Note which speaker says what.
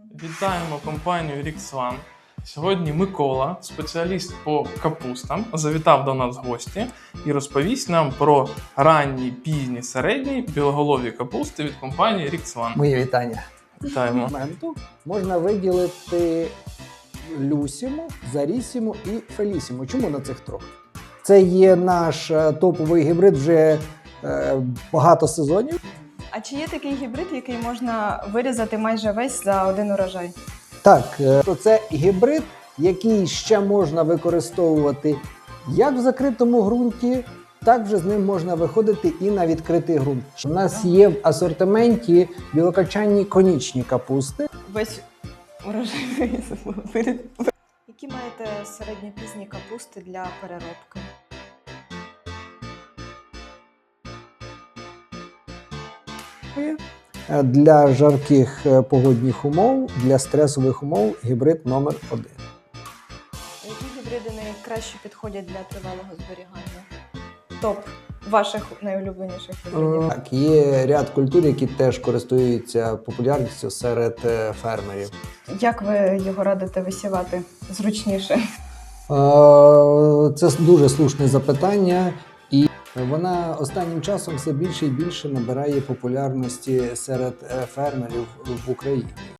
Speaker 1: Вітаємо компанію Rixvan. Сьогодні Микола, спеціаліст по капустам, завітав до нас в гості і розповість нам про ранні, пізні, середні білоголові капусти від компанії Rixvan.
Speaker 2: Мої вітання.
Speaker 1: Вітаємо.
Speaker 2: Моменту можна виділити Люсіму, Зарісіму і Фелісіму. Чому на цих трьох? Це є наш топовий гібрид вже багато сезонів.
Speaker 3: А чи є такий гібрид, який можна вирізати майже весь за один урожай?
Speaker 2: Так, то це гібрид, який ще можна використовувати як в закритому ґрунті, так вже з ним можна виходити і на відкритий ґрунт. У нас є в асортименті білокачанні конічні капусти.
Speaker 3: Весь урожай вирізали. Які маєте середньопізні капусти для переробки?
Speaker 2: Для жарких погодних умов, для стресових умов гібрид номер 1.
Speaker 3: Які гібриди найкраще підходять для тривалого зберігання? Топ ваших найулюбленіших гібридів?
Speaker 2: Так, є ряд культур, які теж користуються популярністю серед фермерів.
Speaker 3: Як ви його радите висівати зручніше?
Speaker 2: Це дуже слушне запитання, і вона останнім часом все більше і більше набирає популярності серед фермерів в Україні.